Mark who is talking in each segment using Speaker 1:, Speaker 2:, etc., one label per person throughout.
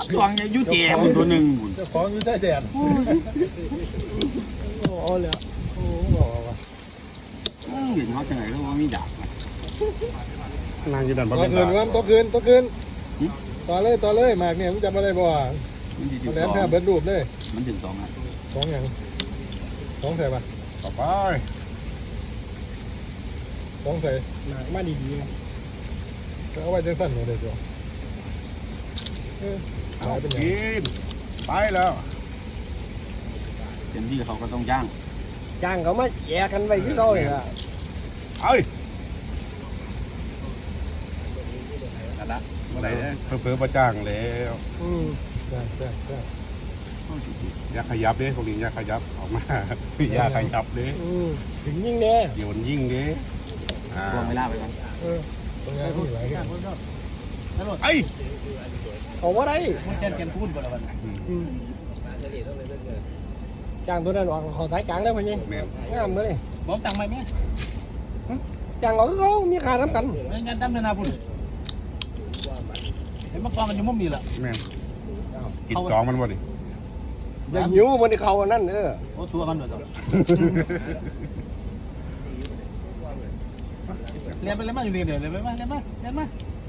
Speaker 1: ตัวงยุ่เจ๋มันตัวหนึ่ง
Speaker 2: เจ้าของอยู่ใต้แดนโอ้เลยโอ้บอกว่า
Speaker 1: เห็นเขาจังไหนเขาว่ามีดาบ
Speaker 3: นางอยู่ดันบ่
Speaker 2: ต่อ
Speaker 3: เป็น
Speaker 2: คืน
Speaker 3: ตา
Speaker 2: วันต่อคืนต่อเลยหมากเนี่ยมึงจำอะไรบ่มันแหลมแทบเบิดรูปเลย
Speaker 1: มันถึง2อ่ะ
Speaker 2: 2อย่าง2ใส่ปะ
Speaker 3: ต่อไป
Speaker 2: 2ใส่
Speaker 4: หนักมาดีๆนะ
Speaker 2: เอาไว้จังสั้นหมดเลยจ้ะหายเป็นยัง
Speaker 3: กินไปแล้ว
Speaker 1: เต็มที่เขาก็ต้องย่าง
Speaker 4: จ้างเขามาแย่กันไปที่เราเลยอ่ะ
Speaker 3: เอ้ยนั่นละเมื่อไหร่เพิ่มประจ้างแล้ว
Speaker 2: แซ่บ
Speaker 3: อย่าขยับเด้พวกนี้อย่าขยับออกมาอย่าขยับเด้
Speaker 4: ถึงยิ่งเนี่ย
Speaker 3: โยนยิ่งเด้
Speaker 1: วางเวลาไปก่อน
Speaker 2: ตรงนี้ที่ไหนกัน
Speaker 3: ไอ้
Speaker 4: เอาว่าได้
Speaker 1: มันแกนพูดก่อนแล้วกัน
Speaker 4: จ้างตัวนั้นออกขอสายกลางได้ไหมเนี่ย
Speaker 3: แม่
Speaker 4: งามเลย
Speaker 1: บอกตังค์ไหมแม่
Speaker 4: จ้างออกเขามีค่าน้ำกัน
Speaker 1: ไม่งั้นตั้มเดินนาพุ่นเห็นมากองกันอยู่มุมนี้แหละ
Speaker 3: แม่กิน2มันบ่ดิ
Speaker 4: อย่าหิวมันที่เขาอันนั้น
Speaker 1: โอ้ทัวร์กันด้วยเรียนไปเลยมาอยู่เรียนเดี๋ยวเรียนไปมาเรียนมาเรียนมา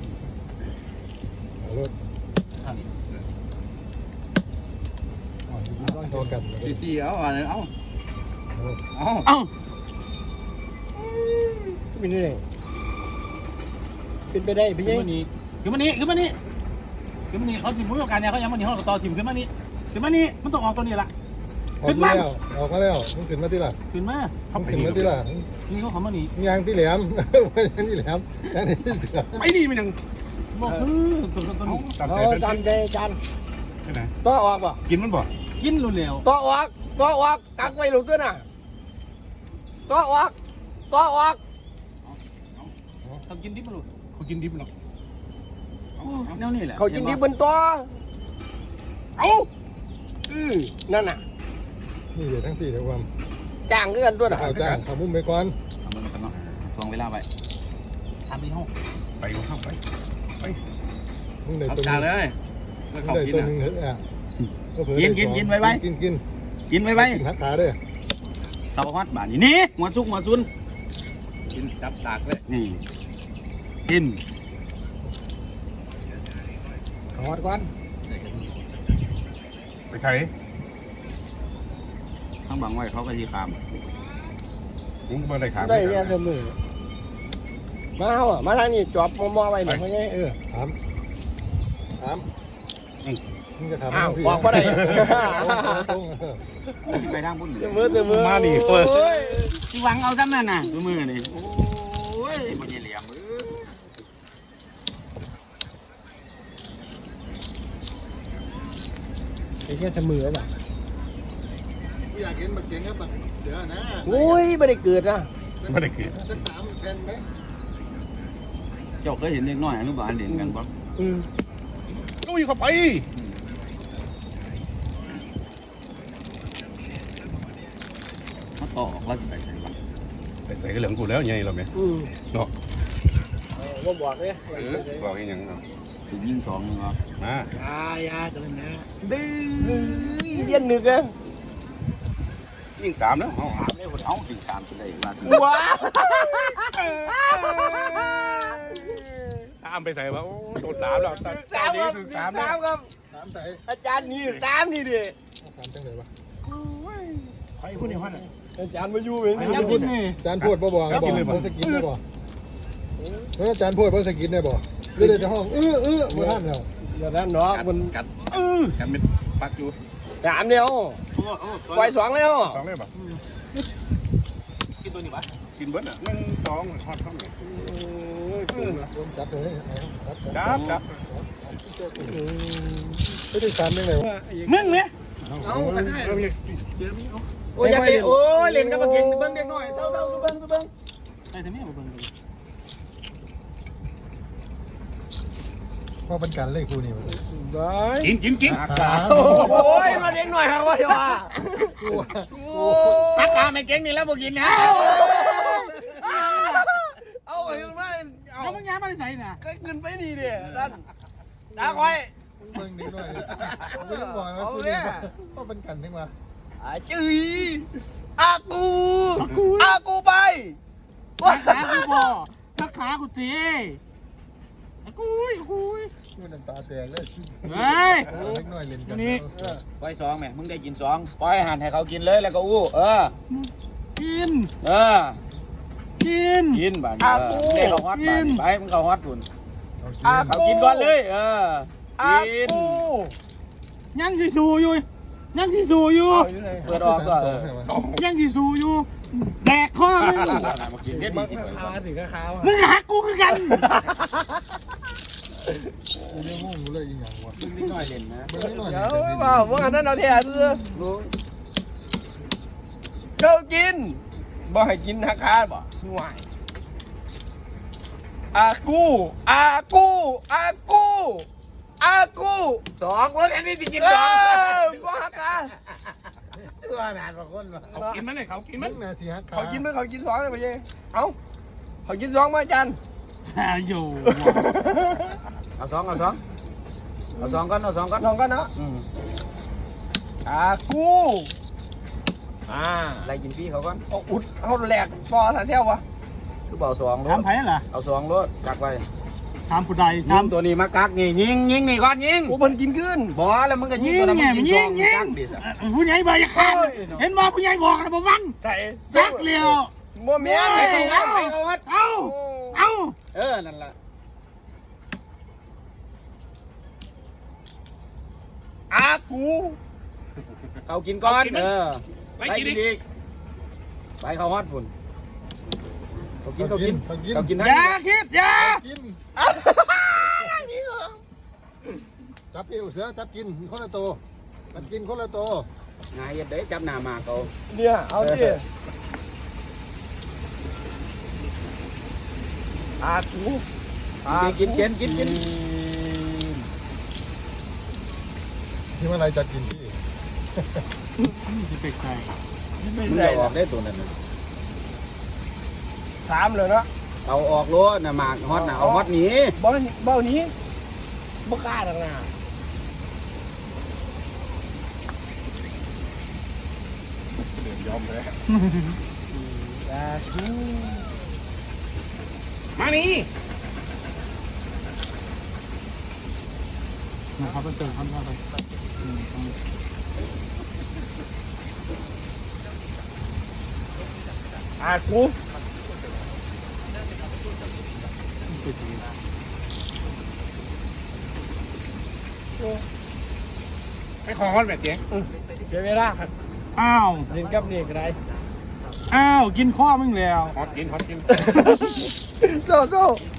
Speaker 2: รถโตกัน
Speaker 1: สี่เอาเอา
Speaker 4: เป็นยังไงเป็นไปได้พี่
Speaker 1: ขึ้
Speaker 4: ยั
Speaker 1: น
Speaker 4: ง
Speaker 1: มานี่ขึ้นมานี่ขึ้นมานี่ขึ้นมานี่เขาทีมผู้ประกอบการเนี่ยเขายังมานี่เขาต่อทีมขึ้นมานี่ขึ้นมานี่มันต้องออกตัวนี้ละ
Speaker 2: ออกมาแล้วมึงขึ้นมาที่ละ
Speaker 1: ขึ้นมา
Speaker 2: มึงขึ้นมาที่ละ
Speaker 1: นี่เขาขอมานี่
Speaker 2: ยางที่แหลมไม่ใช่ที่แหลมยางที่เสือ
Speaker 3: ไปนี่มันยัง
Speaker 1: บอกตัวนี้
Speaker 3: ตาม
Speaker 4: เอา
Speaker 3: ใจเป็น
Speaker 4: ตามใจจาน
Speaker 3: ไปไหน
Speaker 4: ต่อออกป่ะ
Speaker 3: กินมันบ่
Speaker 1: กินรุนแรง
Speaker 4: ต่อออกกักไว้หลุดด้วยน่ะต่อออก
Speaker 1: เขากินดิบมาลูก
Speaker 3: เขากินดิบเนาะ
Speaker 1: แนวนี่แหละ
Speaker 4: เขากินดีบนตัวเอานั่นน่ะ
Speaker 2: นี่เดี๋ยวทั้งสี่เดี๋ยวความ
Speaker 4: จ้างเงินด้วยน่ะ
Speaker 2: ข้าวจ้างข้าวมุ้มไปก่อน
Speaker 1: ทำมันกันเนาะทวงเวลาไปทำที่ห้อง
Speaker 3: ไปเข้าไป
Speaker 2: มึงได้
Speaker 1: เอา
Speaker 2: ตัว
Speaker 1: จาน
Speaker 2: นึ
Speaker 1: เล
Speaker 2: ง
Speaker 1: ย
Speaker 2: มึงได้ตัวนึงเหรอกิน
Speaker 1: ไว้
Speaker 2: กินหักขาด้วย
Speaker 1: เขาฮอดบ้านนี่หัวซุกหัวซุน
Speaker 3: กินจับตากเลย
Speaker 1: นี่กิน
Speaker 4: ขอดก่อน
Speaker 3: ไปใช้
Speaker 1: ทั้งบังไว้เขาก็ยีคาม
Speaker 3: มึงเมื่อไรขา
Speaker 4: ได้เนี่ยเสมอมาเอามาทางนี้จอบมอไว้หน่อยเขาไง
Speaker 2: ถามมึงจะถาม
Speaker 4: บอกก็ได้
Speaker 2: ตรง
Speaker 1: ที่ไปทางพุ่น
Speaker 4: เสมอ
Speaker 3: มาดิ
Speaker 4: โอ้ย
Speaker 1: ที่หวังเอาซ้ำนั่นน่ะตัวมือนี่โอ้ยมันเหลี่ยม
Speaker 4: ไอ้แค่เสมอป่ะ
Speaker 2: อยากเห็นบักเก่งครับบักเสือนะ
Speaker 4: โอ้ยไม่ได้เกิดนะ
Speaker 3: ไม่ได้กิน
Speaker 2: สัก3แผ่นไหม
Speaker 1: เจ้าเคยเห็นเด็กน้อยอนุบาลเด่นกันปะ
Speaker 3: ลุยเข้าไป
Speaker 1: เขาต่อออกแล้วจะไปใส่ปะ
Speaker 3: ไปใส่กระเหลืองกูแล้วไงเราไหมเนาะ
Speaker 4: ว่าบอกเลย
Speaker 3: บอกให้ยังเนาะ
Speaker 1: ถึงยิง2นึงเหรอ
Speaker 3: มา
Speaker 4: ยาจะเล่นนะดื้อเย็นหนึ่งอ่ะ
Speaker 3: ยิ่ง3แล้ว
Speaker 1: 3ได้คนเอาถึง3จะได้ว่าถึง
Speaker 4: ว้า
Speaker 3: ตามไปใส่ว่าโดน3แล้วตอนนี้ถึง3แล้ว
Speaker 4: ครับ
Speaker 2: 3ใส่
Speaker 4: อาจารย์นี่3นี่ดิ
Speaker 2: 3จังเลยวะ
Speaker 1: ใครคุณเนี่ยพัน
Speaker 4: อาจารย์มาอยู่เป็น
Speaker 1: อาจารย์พูดนี่
Speaker 2: จานพูดบ่บอกบ่สกินได้บ่จานพูดบ่สกินได้บ่หรือได้ห้องบ่ทันแล้ว
Speaker 4: อย่างนั้นเนาะมัน
Speaker 3: กันเป็นปักอยู่
Speaker 4: 3เดียวปล่อย2แล้ว
Speaker 3: 2เลยป่ะ
Speaker 1: กินตัวนี้ปะ
Speaker 3: กินเบิร์ดอ่ะ1 2ทอดข้าวเหนียว
Speaker 2: รวมจับเลย
Speaker 3: จับ
Speaker 2: ไม่ได้3จังเลยวะ
Speaker 1: มึงเนี่ย
Speaker 4: เอากันได้โอ้ยอยากเล่นโอ้ยเล่นกับเก่งเบิ้งเด็กหน่อยเศร้าสุเบิ้ง
Speaker 1: ใช่ทำไมมาเบิ่ง
Speaker 2: พอเป็นการเล่นคู่นี่
Speaker 4: ได้
Speaker 3: กิน
Speaker 4: โอ้ยมาเด็กหน่อยครับว่าจะว่า
Speaker 1: ตักกาไม่เก่งนี่แล้วบ่กินนะ
Speaker 4: เอาไปยังไงเอา
Speaker 1: เอามึงย้ายมาได้ใส่น่ะ
Speaker 4: ก็เงินไปนี่ดิด้านตาคอย
Speaker 2: เบิ่งนิดหน่อยไม่ต้องบอกนะคุณว่าเป็นกันทั้งวัน
Speaker 4: จื้ออากูไป
Speaker 1: ขากูบ่ถ้าขากูตีกู
Speaker 2: มันน้ำตาแตกเลย
Speaker 1: เฮ้ย
Speaker 2: เล็กน้อยเล่นกัน
Speaker 4: ปล่อย2แม่มึงได้กิน2ปล่อยหั่นให้เขากินเลยแล้วก็อู้
Speaker 1: กิน
Speaker 4: กินบาดนี้ได้เขาฮอตบาดไปมึงเขาฮอตพุ่น
Speaker 2: เอา
Speaker 4: เขากินก่อนเลยกิน
Speaker 1: ยังสิสู้อยู่ยังสิสู้อยู่
Speaker 4: เปิดออกก็
Speaker 1: ยังสิสู้อยู่แดกข้อมึง
Speaker 4: มากินเด็ดดีสิ
Speaker 1: มึงหักกูคือกัน
Speaker 2: กูยังงงอยู่เลยอีหยังวะ
Speaker 4: นิดหน่อยเล่นนะ
Speaker 2: มันไม่หน่อย
Speaker 5: เดี๋ยวว่างั้นเอาแท้ซื้อเขากินบ่ให้กินราคาบ่ห่วยอากู2คนอันนี้สิกิน2บ่ราคา
Speaker 4: เชื่อนานกว่าคนวะ
Speaker 3: เขากินมันเลยเขากินมัน
Speaker 2: น่าสิฮักขา
Speaker 5: เขากินมั้ยเขากิน2เลยบ่เย้เอ้าเขากิน2มาจัน
Speaker 1: แซ่อยู่
Speaker 4: เอา2ก่อน
Speaker 5: ลองกันเนาะอากู
Speaker 4: อะไรกินพี่เขาก่อน
Speaker 5: เอาอุดเฮาแหลกปอซะแท้วะ
Speaker 4: คือเบา2รถ
Speaker 1: ทำไผ่ล่ะ
Speaker 4: เอา2รถกักไว้
Speaker 1: ทำผู้ใด
Speaker 4: ทำตัวนี้มากักนี่ยิงนี่ก่อนยิง
Speaker 5: โอ้มันกินขึ้น
Speaker 4: บอแล้วมึงก็ยิง
Speaker 1: ยิง
Speaker 4: ตัวนั้น
Speaker 1: ไง
Speaker 4: มึง
Speaker 1: ยิ
Speaker 4: ยิ
Speaker 1: ง
Speaker 4: ง
Speaker 1: ยิง
Speaker 4: กักดิส
Speaker 1: ผู้ใหญ่บ่อย่าขาดเห็นว่าผู้ใหญ่บอกนะบ่ฟัง
Speaker 5: ใช่
Speaker 1: จักเลี้ยว
Speaker 5: บ่แม่นให้เขาวัด
Speaker 1: เอา
Speaker 4: นั่นแหละ
Speaker 5: อากู
Speaker 4: เขากินก่อน
Speaker 3: ไป
Speaker 4: ไป
Speaker 3: กิน
Speaker 4: กิน
Speaker 3: ดิ
Speaker 4: อีกไปเขาฮอดฝุ่นเขากินทั้ง
Speaker 1: อย่าคิดอย่า
Speaker 2: กินจับเอวเสือจับกินคนละตัวจับกินคนละตัว
Speaker 4: งายเด็ดจับหน้ามาเขา
Speaker 5: เนี่ยเอาดิอากู
Speaker 4: กิน
Speaker 2: ที่เมื่อไรจับกินพี่
Speaker 1: จะไปใส่
Speaker 5: ไม่
Speaker 4: มึง
Speaker 5: ใช่
Speaker 4: จะออกได้ตัวนั้น
Speaker 5: 3เลยเนาะ
Speaker 4: เอาออกรถน่ะหมากฮอตน่ะเอาฮอตหนี
Speaker 5: บ่นี้บ่กล้าดังน่ะ
Speaker 3: ยอมเลย
Speaker 5: อากู
Speaker 3: มานี่
Speaker 1: นะครับเป็นเติมคำเข้าไป
Speaker 5: อากู
Speaker 3: ไปขอฮอตแบบเจ๊
Speaker 5: เดี๋ยวเวลาครับ
Speaker 1: อ้าว
Speaker 5: เล่นกับนี่ก็ได้
Speaker 1: อ้าวกินข้อมึงแล้ว
Speaker 3: ฮอตกิน
Speaker 5: โซ่